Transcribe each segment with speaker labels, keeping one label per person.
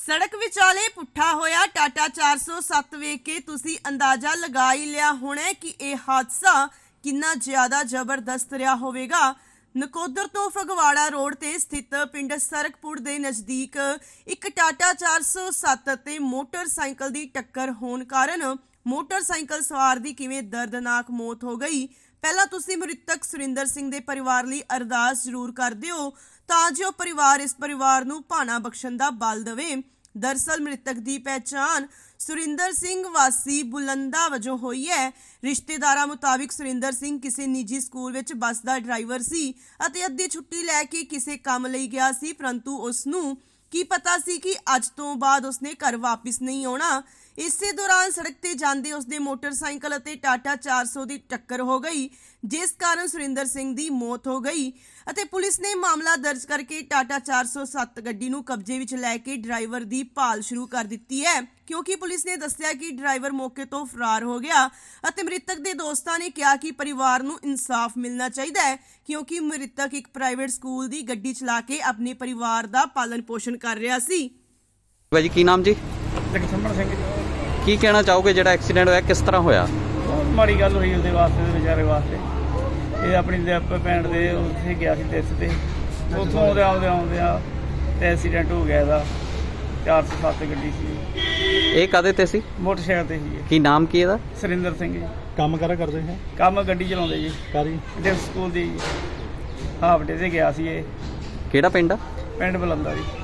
Speaker 1: सड़क विचाले पुट्ठा होया टाटा 407 वेख के तुसी अंदाजा लगा ही लिया होना कि यह हादसा कितना ज्यादा जबरदस्त रहा होवेगा। नकोदर तो फगवाड़ा रोड ते स्थित पिंड सरकपुर दे नज़दीक एक टाटा 407 ते मोटरसाइकिल दी टक्कर होने कारण मोटरसाइकिल सवार दी किवें दर्दनाक मौत हो गई। पहला तुसी मृतक सुरिंदर सिंह दे परिवार लई अरदास जरूर कर दिओ तां जो परिवार इस परिवार नूं भाना बख्शण दा बल देवे। दरअसल मृतक की पहचान सुरिंदर सिंह वासी बुलंदा वजों हुई है। रिश्तेदारां मुताबिक सुरिंदर सिंह किसी निजी स्कूल विच बस का ड्राइवर सी अते अद्धी छुट्टी लैके किसी काम लई गया सी, परंतु उसनूं की पता सी कि अज तो बाद उसने घर वापस नहीं आना। इसे दौरान सड़क ते जांदे उसदे मोटरसाइकिल अते टाटा 400 की टक्कर हो गई, जिस कारण सुरिंदर सिंह की मौत हो गई। अते पुलिस ने मामला दर्ज करके टाटा 407 गड्डी नूं कब्जे विच लैके ड्राइवर की भाल शुरू कर दी है, क्योंकि पुलिस ने दस्सिया कि ड्राइवर मौके तो फरार हो गया। अते मृतक के दोस्तां ने कहा कि परिवार नूं इंसाफ मिलना चाहिए, क्योंकि मृतक एक प्राइवेट स्कूल की गड्डी चला के अपने परिवार का पालन पोषण कर रहा सी।
Speaker 2: भाई की नाम जी?
Speaker 3: जगसमण सिंह जी।
Speaker 2: की कहना चाहोगे ਜਿਹੜਾ एक्सीडेंट होया किस तरह होया?
Speaker 3: बहुत माड़ी गल हुई उसके वास्ते बेचारे वास्ते। ये अपनी भैन दे उत्थे गया सी तिस ते उत्थों आउंदे आउंदे एक्सीडेंट हो गया ਇਹਦਾ 407 ਗੱਡੀ ਸੀ।
Speaker 2: ਇਹ ਕਾਦੇ ਤੇ ਸੀ?
Speaker 3: मोटरसाइकिल ਤੇ ਸੀ।
Speaker 2: ਕੀ ਨਾਮ ਕੀ ਇਹਦਾ?
Speaker 3: ਸੁਰਿੰਦਰ ਸਿੰਘ ਜੀ।
Speaker 4: ਕੰਮ ਕਰਾ ਕਰਦੇ ਹੈ?
Speaker 3: ਕੰਮ ਗੱਡੀ ਚਲਾਉਂਦੇ ਜੀ।
Speaker 4: ਕਾਰੀ
Speaker 3: ਦੇ ਸਕੂਲ ਦੀ ਹਾਫ ਡੇ ਤੇ ਗਿਆ ਸੀ ਇਹ।
Speaker 2: ਕਿਹੜਾ ਪਿੰਡ ਆ?
Speaker 3: ਪਿੰਡ ਬਲੰਦਾ ਜੀ।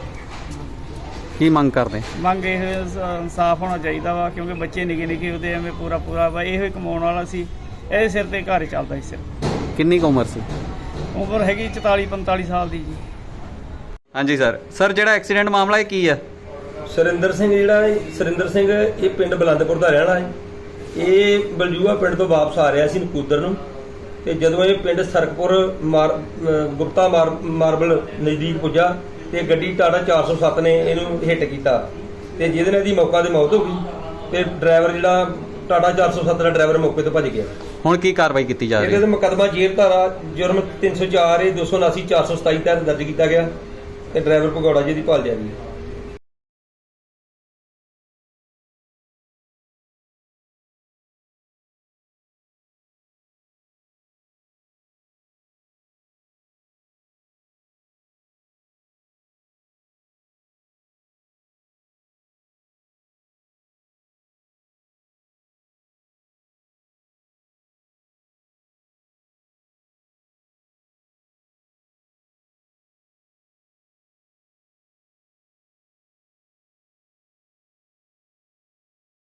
Speaker 2: ਕੀ ਮੰਗ ਕਰਦੇ?
Speaker 3: ਮੰਗ ਇਹ ਇਨਸਾਫ ਹੋਣਾ ਚਾਹੀਦਾ ਵਾ, ਕਿਉਂਕਿ ਬੱਚੇ ਨਿੱਕੇ ਨਿੱਕੇ ਉਹਦੇ ਐਵੇਂ ਪੂਰਾ ਵਾ ਇਹੋ ਹੀ ਕਮਾਉਣ ਵਾਲਾ ਸੀ। ਇਹਦੇ ਸਿਰ ਤੇ ਘਰ ਚੱਲਦਾ ਸੀ। ਸਿਰ
Speaker 2: ਕਿੰਨੀ ਕੁ ਉਮਰ ਸੀ?
Speaker 3: ਉਮਰ ਹੈਗੀ 44-45 ਸਾਲ ਦੀ ਜੀ।
Speaker 2: ਹਾਂਜੀ ਸਰ ਜਿਹੜਾ ਐਕਸੀਡੈਂਟ ਮਾਮਲਾ ਇਹ ਕੀ ਆ?
Speaker 5: ਸੁਰਿੰਦਰ ਸਿੰਘ ਸੁਰਿੰਦਰ ਸਿੰਘ ਇਹ ਪਿੰਡ ਬਲੰਦਪੁਰ ਦਾ ਰਹਿਣ ਵਾਲਾ ਹੈ। ਇਹ ਬਲਜੂਆ ਪਿੰਡ ਤੋਂ ਵਾਪਸ ਆ ਰਿਹਾ ਸੀ ਨਕੂਦਰ ਨੂੰ, ਤੇ ਜਦੋਂ ਇਹ ਪਿੰਡ ਸਰਕਪੁਰ ਗੁਪਤਾ ਮਾਰਬਲ ਨਜ਼ਦੀਕ ਪੁੱਜਾ ਤੇ ਗੱਡੀ ਟਾਟਾ 407 ਨੇ ਇਹਨੂੰ ਹਿੱਟ ਕੀਤਾ, ਤੇ ਜਿਹਦੇ ਨਾਲ ਇਹਦੀ ਮੌਕਾ ਤੇ ਮੌਤ ਹੋ ਗਈ। ਤੇ ਡਰਾਈਵਰ ਜਿਹੜਾ ਟਾਟਾ 407 ਦਾ ਡਰਾਈਵਰ ਮੌਕੇ ਤੋਂ ਭੱਜ ਗਿਆ।
Speaker 2: ਹੁਣ ਕੀ ਕਾਰਵਾਈ ਕੀਤੀ ਜਾ ਰਹੀ ਹੈ?
Speaker 5: ਇਹਦੇ ਤੇ ਮੁਕੱਦਮਾ ਜੇਲ੍ਹ ਧਾਰਾ ਜੁਰਮ 304 279 427 ਤਹਿਤ ਦਰਜ ਕੀਤਾ ਗਿਆ ਤੇ ਡਰਾਈਵਰ ਭਗੌੜਾ ਜੀ ਦੀ ਭਾਲ ਜਾਰੀ ਹੈ।